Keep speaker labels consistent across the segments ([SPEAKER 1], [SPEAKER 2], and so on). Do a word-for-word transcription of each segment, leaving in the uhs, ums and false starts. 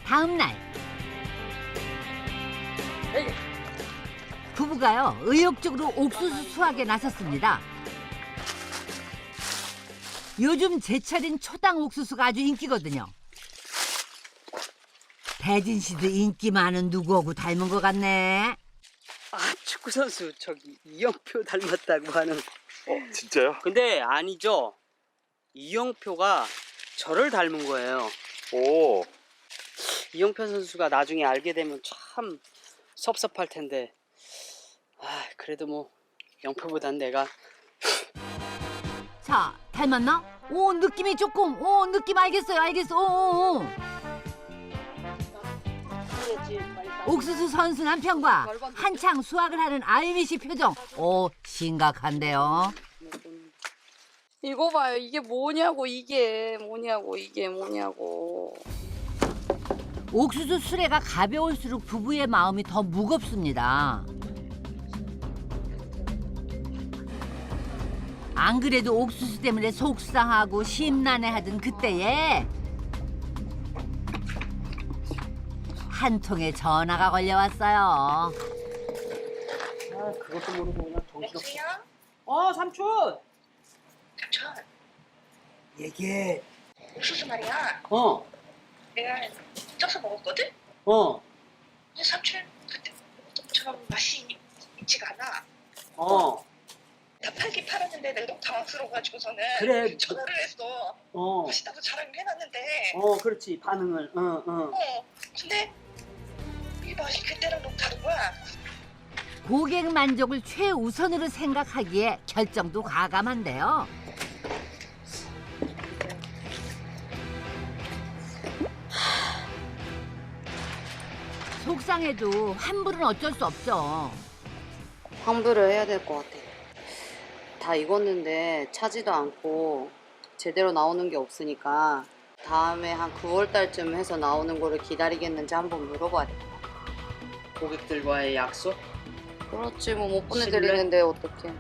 [SPEAKER 1] 다음 날 부부가요 의욕적으로 옥수수 수확에 나섰습니다. 요즘 제철인 초당 옥수수가 아주 인기거든요. 대진 씨도 인기 많은 누구하고 닮은 것 같네.
[SPEAKER 2] 아, 축구 선수 저기 이영표 닮았다고 하는.
[SPEAKER 3] 어, 진짜요?
[SPEAKER 2] 근데 아니죠. 이영표가 저를 닮은 거예요.
[SPEAKER 3] 오,
[SPEAKER 2] 이영표 선수가 나중에 알게 되면 참 섭섭할 텐데. 아, 그래도 뭐 영표보단 내가.
[SPEAKER 1] 자, 닮았나? 오, 느낌이 조금, 오, 느낌 알겠어요, 알겠어. 오, 오, 오. 옥수수 선수 남편과 한창 수확을 하는 아유미 씨 표정. 오, 심각한데요.
[SPEAKER 4] 이거 봐요. 이게 뭐냐고, 이게 뭐냐고, 이게 뭐냐고.
[SPEAKER 1] 옥수수 수레가 가벼울수록 부부의 마음이 더 무겁습니다. 안 그래도 옥수수 때문에 속상하고 심란해하던 그때에 한 통의 전화가 걸려왔어요.
[SPEAKER 2] 아, 그것도 모르고 그냥 정신없어.
[SPEAKER 5] 여보세요?
[SPEAKER 2] 어, 삼촌.
[SPEAKER 5] 삼촌,
[SPEAKER 2] 얘기해.
[SPEAKER 5] 옥수수 말이야.
[SPEAKER 2] 어,
[SPEAKER 5] 내가 쪄서 먹었거든?
[SPEAKER 2] 어,
[SPEAKER 5] 근데 삼촌, 그때 먹었던 맛이 있지가 않아.
[SPEAKER 2] 어.
[SPEAKER 5] 다 팔긴 팔았는데 내가 너무 당황스러워가지고서는
[SPEAKER 2] 그래.
[SPEAKER 5] 전화를 했어.
[SPEAKER 2] 어,
[SPEAKER 5] 맛있다고 자랑을 해놨는데
[SPEAKER 2] 어, 그렇지. 반응을. 어, 어.
[SPEAKER 5] 어, 근데 이 맛이 그때랑 너무 다른 거야.
[SPEAKER 1] 고객 만족을 최우선으로 생각하기에 결정도 과감한데요. 속상해도 환불은 어쩔 수 없죠.
[SPEAKER 4] 환불을 해야 될 것 같아. 다 익었는데 차지도 않고 제대로 나오는 게 없으니까 다음에 한 구월 달쯤 해서 나오는 거를 기다리겠는지 한번 물어봐야 돼.
[SPEAKER 2] 고객들과의 약속?
[SPEAKER 4] 그렇지, 뭐 못 보내드리는데 어떡해.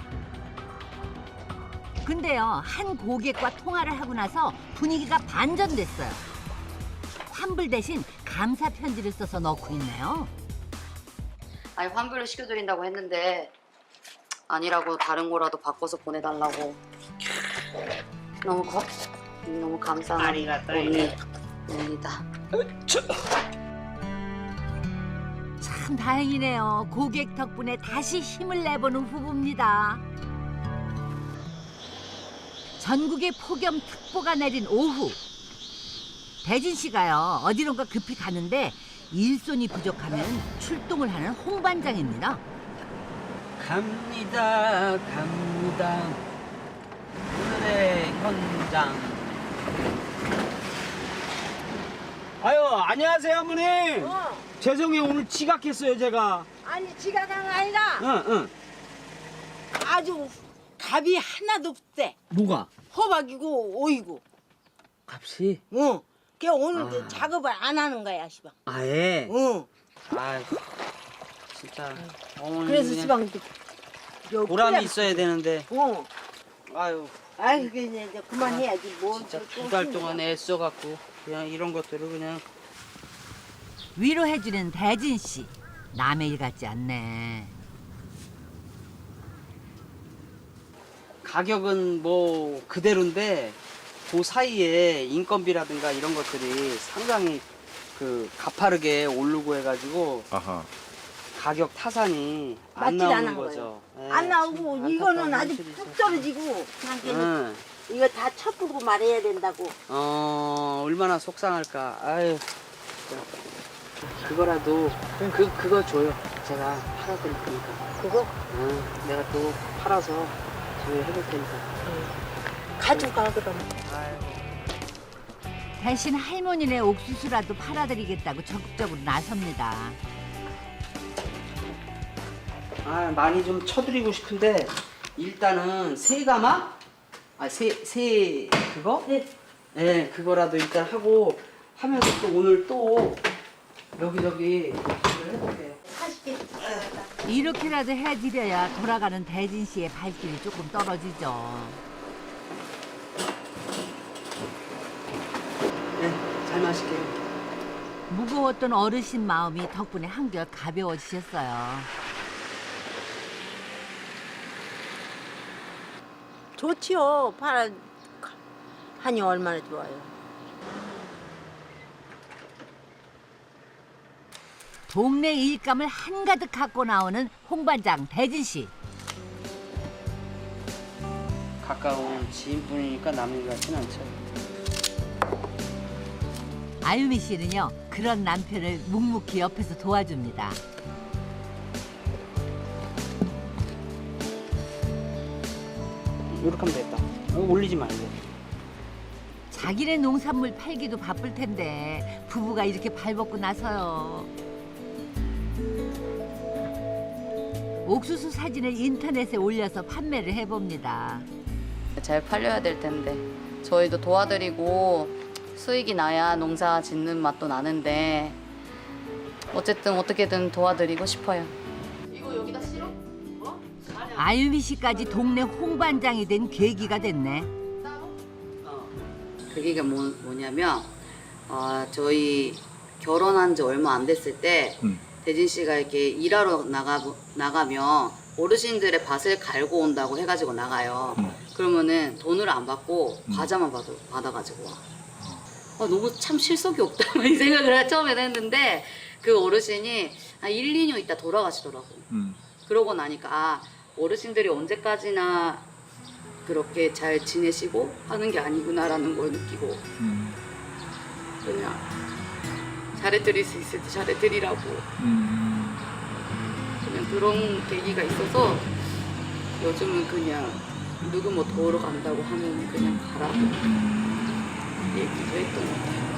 [SPEAKER 1] 근데요, 한 고객과 통화를 하고 나서 분위기가 반전됐어요. 환불 대신 감사 편지를 써서 넣고 있네요.
[SPEAKER 4] 아니, 환불을 시켜드린다고 했는데 아니라고 다른 거라도 바꿔서 보내달라고. 너무 거, 너무 감사한
[SPEAKER 2] 아리가또.
[SPEAKER 4] 언니, 언니다.
[SPEAKER 1] 참 다행이네요. 고객 덕분에 다시 힘을 내보는 부부입니다. 전국에 폭염특보가 내린 오후. 대진 씨가요, 어디론가 급히 가는데 일손이 부족하면 출동을 하는 홍반장입니다.
[SPEAKER 2] 갑니다, 갑니다. 오늘의 현장. 아유, 안녕하세요, 어머니.
[SPEAKER 6] 어,
[SPEAKER 2] 죄송해요, 오늘 지각했어요, 제가.
[SPEAKER 6] 아니 지각한 거 아니라
[SPEAKER 2] 응, 응.
[SPEAKER 6] 아주 값이 하나도 없대.
[SPEAKER 2] 뭐가?
[SPEAKER 6] 호박이고 오이고.
[SPEAKER 2] 값이?
[SPEAKER 6] 응. 걔 오늘
[SPEAKER 2] 아.
[SPEAKER 6] 저 작업을 안 하는 거야, 시방.
[SPEAKER 2] 아예?
[SPEAKER 6] 응.
[SPEAKER 2] 아이, 진짜. 어머니
[SPEAKER 6] 그래서
[SPEAKER 2] 그냥
[SPEAKER 6] 시방 요
[SPEAKER 2] 보람이
[SPEAKER 6] 그냥-
[SPEAKER 2] 있어야 되는데.
[SPEAKER 6] 응.
[SPEAKER 2] 아유,
[SPEAKER 6] 아이 그게 이제 이제 그만해야지 뭐.
[SPEAKER 2] 진짜
[SPEAKER 6] 또
[SPEAKER 2] 두 달
[SPEAKER 6] 힘들어.
[SPEAKER 2] 동안 애써갖고 그냥 이런 것들을 그냥.
[SPEAKER 1] 위로해주는 대진 씨. 남의 일 같지 않네.
[SPEAKER 2] 가격은 뭐 그대로인데 그 사이에 인건비라든가 이런 것들이 상당히 그 가파르게 오르고 해가지고
[SPEAKER 3] 아하.
[SPEAKER 2] 가격 타산이 안
[SPEAKER 6] 맞질
[SPEAKER 2] 나오는
[SPEAKER 6] 않은
[SPEAKER 2] 거죠. 예,
[SPEAKER 6] 안
[SPEAKER 2] 참
[SPEAKER 6] 나오고 이거는
[SPEAKER 2] 안타까운
[SPEAKER 6] 아주
[SPEAKER 2] 현실이죠.
[SPEAKER 6] 푹 떨어지고 그냥 걔는
[SPEAKER 2] 응.
[SPEAKER 6] 이거 다 첩보고 말해야 된다고.
[SPEAKER 2] 어 얼마나 속상할까. 아유. 진짜. 그거라도 그 그거 줘요. 제가 팔아드릴 테니까.
[SPEAKER 6] 그거
[SPEAKER 2] 응. 내가 또 팔아서 저희 해볼 테니까.
[SPEAKER 6] 가져가 그럼.
[SPEAKER 2] 아유.
[SPEAKER 1] 대신 할머니네 옥수수라도 팔아드리겠다고 적극적으로 나섭니다.
[SPEAKER 2] 아 많이 좀 쳐드리고 싶은데 일단은 새가마? 아새새 그거?
[SPEAKER 6] 네.
[SPEAKER 2] 네 그거라도 일단 하고 하면서 또 오늘 또 여기저기 일을 해볼게요.
[SPEAKER 1] 이렇게라도 해드려야 돌아가는 대진 씨의 발길이 조금 떨어지죠.
[SPEAKER 2] 네, 잘 마실게요.
[SPEAKER 1] 무거웠던 어르신 마음이 덕분에 한결 가벼워지셨어요.
[SPEAKER 6] 좋지요. 파 한이 얼마나 좋아요.
[SPEAKER 1] 동네 일감을 한가득 갖고 나오는 홍반장 대진 씨.
[SPEAKER 2] 가까운 지인분이니까 남의 일 같진 않죠.
[SPEAKER 1] 아유미 씨는요, 그런 남편을 묵묵히 옆에서 도와줍니다.
[SPEAKER 2] 이렇게 하면 됐다. 어, 올리지 말고.
[SPEAKER 1] 자기네 농산물 팔기도 바쁠 텐데 부부가 이렇게 발벗고 나서요. 옥수수 사진을 인터넷에 올려서 판매를 해봅니다.
[SPEAKER 4] 잘 팔려야 될 텐데 저희도 도와드리고 수익이 나야 농사 짓는 맛도 나는데 어쨌든 어떻게든 도와드리고 싶어요. 이거 여기다 실어?
[SPEAKER 1] 아유미 씨까지 동네 홍반장이 된 계기가 됐네.
[SPEAKER 4] 계기가 뭐, 뭐냐면 어, 저희 결혼한 지 얼마 안 됐을 때
[SPEAKER 3] 음.
[SPEAKER 4] 대진 씨가 이렇게 일하러 나가, 나가면 어르신들의 밭을 갈고 온다고 해가지고 나가요.
[SPEAKER 3] 음.
[SPEAKER 4] 그러면은 돈을 안 받고
[SPEAKER 3] 음.
[SPEAKER 4] 과자만 받아, 받아가지고 와. 아, 너무 참 실속이 없다 이 생각을 처음에 했는데 그 어르신이 한 일, 이 년 있다 돌아가시더라고.
[SPEAKER 3] 음.
[SPEAKER 4] 그러고 나니까 아, 어르신들이 언제까지나 그렇게 잘 지내시고 하는 게 아니구나라는 걸 느끼고
[SPEAKER 3] 음.
[SPEAKER 4] 그냥 잘해드릴 수 있을 때 잘해드리라고
[SPEAKER 3] 음.
[SPEAKER 4] 그냥 그런 계기가 있어서 요즘은 그냥 누구 뭐 도우러 간다고 하면 그냥 가라고 얘기도 했던 것 같아요.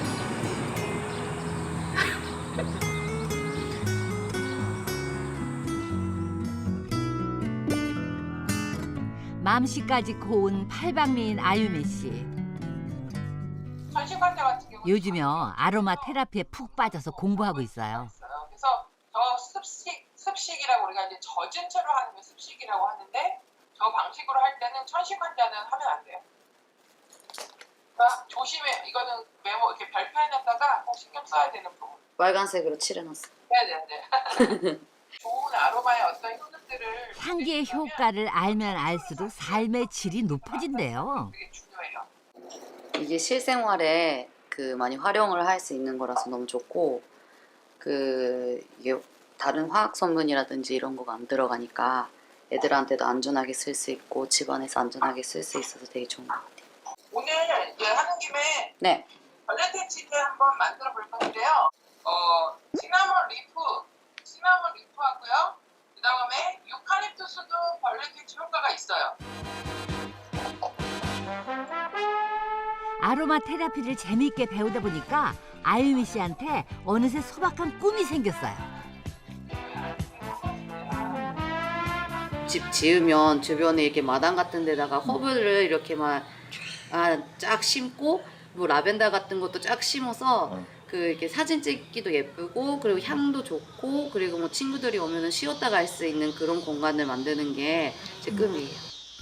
[SPEAKER 1] 맘씨까지 고운 팔방미인 아유미 씨.
[SPEAKER 5] 전신관절 같은 경우
[SPEAKER 1] 요즘요 아로마 테라피에 푹 빠져서 공부하고 있어요.
[SPEAKER 5] 그래서 저 습식 습식이라고 우리가 이제 젖은 채로 하는 게 습식이라고 하는데 저 방식으로 할 때는 천식환자는 하면 안 돼요. 그러니까 조심해. 이거는 메모 이렇게 별표해놨다가 꼭 신경 써야 되는 부분.
[SPEAKER 4] 빨간색으로 칠해놨어.
[SPEAKER 5] 네네네. 좋은 아로마의 어떤 효능들을
[SPEAKER 1] 향기의 효과를 알면 알수록 삶의 질이 높아진대요.
[SPEAKER 5] 되게 중요해요.
[SPEAKER 4] 이게 실생활에 그 많이 활용을 할 수 있는 거라서 너무 좋고 그 이게 다른 화학 성분이라든지 이런 거가 안 들어가니까 애들한테도 안전하게 쓸 수 있고 집안에서 안전하게 쓸 수 있어서 되게 좋은 것 같아요.
[SPEAKER 5] 오늘 이제 하는 김에
[SPEAKER 4] 네.
[SPEAKER 5] 벌레퇴치제 한번 만들어 볼 건데요. 어, 시나몬 리프, 시나몬 리프하고요. 그 다음에 유칼립투스도 벌레퇴치 효과가 있어요.
[SPEAKER 1] 아로마 테라피를 재미있게 배우다 보니까 아유미 씨한테 어느새 소박한 꿈이 생겼어요.
[SPEAKER 4] 집 지으면 주변에 이렇게 마당 같은 데다가 허브를 이렇게 막 아, 쫙 심고 뭐 라벤더 같은 것도 쫙 심어서
[SPEAKER 3] 어.
[SPEAKER 4] 그 이렇게 사진 찍기도 예쁘고 그리고 향도 좋고 그리고 뭐 친구들이 오면은 쉬었다 갈 수 있는 그런 공간을 만드는 게 제 꿈이에요.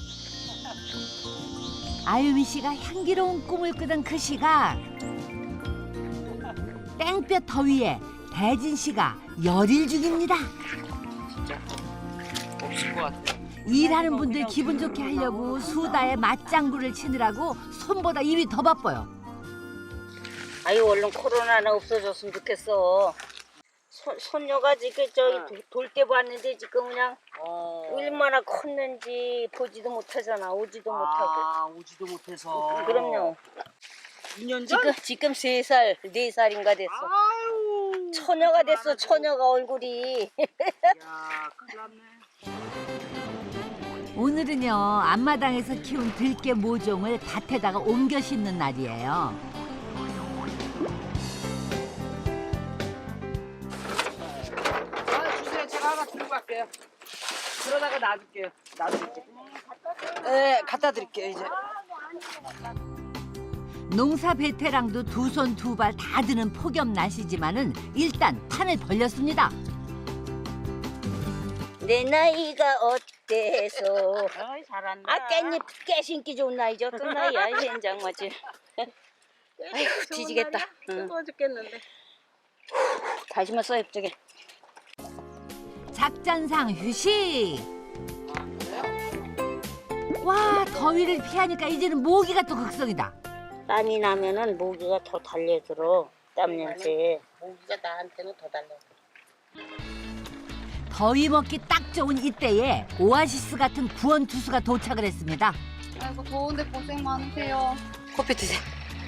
[SPEAKER 1] 아유미 씨가 향기로운 꿈을 꾸던 그 시각 땡볕 더위에 대진 씨가 열일 중입니다.
[SPEAKER 2] 진짜 없을 것 같아.
[SPEAKER 1] 일하는 분들 기분 좋게 하려고 수다에 맞장구를 치느라고 손보다 입이 더 바빠요.
[SPEAKER 6] 아유 얼른 코로나는 없어졌으면 좋겠어. 손, 손녀가 지금 저기 돌 때 봤는데 지금 그냥 얼마나 컸는지 보지도 못하잖아. 오지도 못하고.
[SPEAKER 2] 아, 오지도 못해서.
[SPEAKER 6] 그럼요.
[SPEAKER 2] 이 년 전?
[SPEAKER 6] 지금 지금 세 살, 네 살인가 됐어.
[SPEAKER 2] 아유.
[SPEAKER 6] 처녀가 됐어. 처녀가 얼굴이.
[SPEAKER 2] 야, 큰일 났네.
[SPEAKER 1] 오늘은요 앞마당에서 키운 들깨 모종을 밭에다가 옮겨 심는 날이에요.
[SPEAKER 2] 아, 주세요. 제가 하나 들고 갈게요. 그러다가 놔둘게요. 놔둘게요. 네, 갖다 드릴게요, 이제.
[SPEAKER 1] 농사 베테랑도 두 손 두 발 다 드는 폭염 날씨지만은 일단 판을 벌렸습니다.
[SPEAKER 6] 내 나이가 어때서?
[SPEAKER 2] 아이, 잘한다.
[SPEAKER 6] 아 깻잎 깨 신기 좋은 나이죠. 또 나이야 현장 맞지. 아이고 뒤지겠다. 응.
[SPEAKER 7] 뜨거워 죽겠는데.
[SPEAKER 6] 다시마 써 이쪽에.
[SPEAKER 1] 작전상 휴식. 와, 더위를 피하니까 이제는 모기가 또 극성이다.
[SPEAKER 6] 땀이 나면은 모기가 더 달려들어. 땀 냄새.
[SPEAKER 4] 모기가 나한테는 더 달려.
[SPEAKER 1] 더위 먹기 딱 좋은 이때에 오아시스 같은 구원 투수가 도착을 했습니다.
[SPEAKER 4] 아이고 더운데 고생 많으세요. 커피 드세요.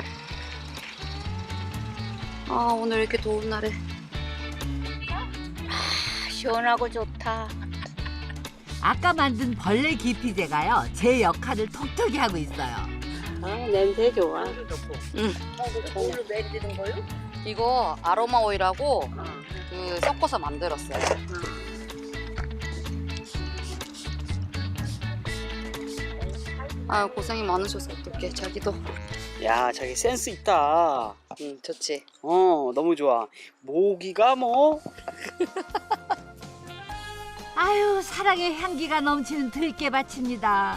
[SPEAKER 4] 아 오늘 이렇게 더운 날에
[SPEAKER 6] 아, 시원하고 좋다.
[SPEAKER 1] 아까 만든 벌레 기피제가요, 제 역할을 톡톡히 하고 있어요.
[SPEAKER 6] 아, 냄새 좋아.
[SPEAKER 4] 응.
[SPEAKER 6] 오늘 내리는 거요?
[SPEAKER 4] 이거 아로마 오일하고 그 섞어서 만들었어요. 아 고생이 많으셔서 어떡해 자기도.
[SPEAKER 2] 야, 자기 센스 있다.
[SPEAKER 4] 응 좋지.
[SPEAKER 2] 어, 너무 좋아. 모기가 뭐
[SPEAKER 1] 아유, 사랑의 향기가 넘치는 들깨밭입니다.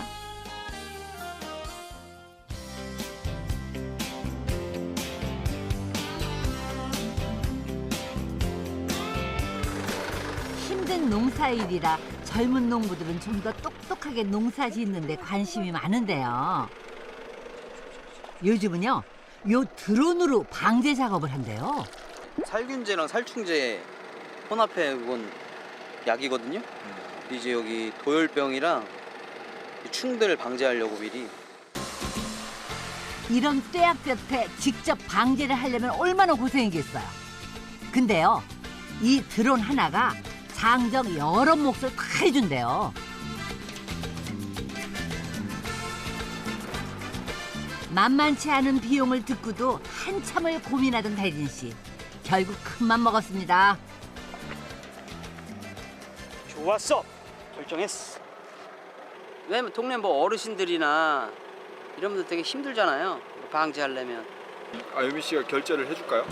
[SPEAKER 1] 힘든 농사일이라 젊은 농부들은 좀 더 똑똑하게 농사 짓는 데 관심이 많은데요. 요즘은요, 요 드론으로 방제 작업을 한대요.
[SPEAKER 7] 살균제랑 살충제 혼합해 그건 약이거든요. 이제 여기 도열병이랑 충들을 방지하려고 미리.
[SPEAKER 1] 이런 뙤약볕에 직접 방제를 하려면 얼마나 고생이겠어요. 근데요, 이 드론 하나가 장정 여러 몫을 다 해준대요. 만만치 않은 비용을 듣고도 한참을 고민하던 대진 씨. 결국 큰맘 먹었습니다.
[SPEAKER 2] 좋았어. 결정했어.
[SPEAKER 7] 왜냐면 동네 뭐 어르신들이나 이런 분들 되게 힘들잖아요. 방지하려면.
[SPEAKER 3] 아, 유미 씨가 결제를 해줄까요?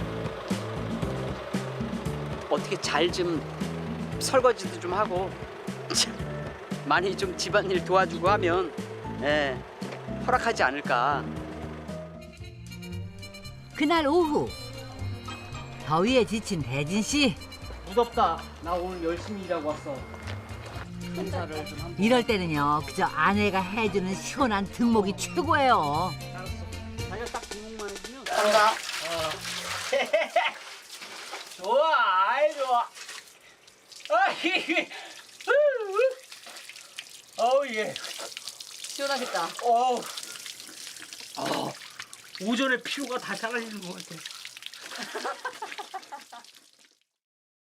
[SPEAKER 7] 어떻게 잘 좀 설거지도 좀 하고 많이 좀 집안일 도와주고 하면 예, 허락하지 않을까.
[SPEAKER 1] 그날 오후 더위에 지친 대진 씨.
[SPEAKER 2] 무섭다. 나 오늘 열심히 일하고 왔어. 인사를 좀 한.
[SPEAKER 1] 이럴 때는요, 그저 아내가 해주는 시원한 등목이 최고예요.
[SPEAKER 2] 알았어. 자기가 딱 등록만 해주면.
[SPEAKER 4] 감사.
[SPEAKER 2] 좋아, 아이 좋아. 아이, 어우 예.
[SPEAKER 4] 시원하겠다.
[SPEAKER 2] 어우. 아, 오전에 피로가 다 사라지는 것 같아.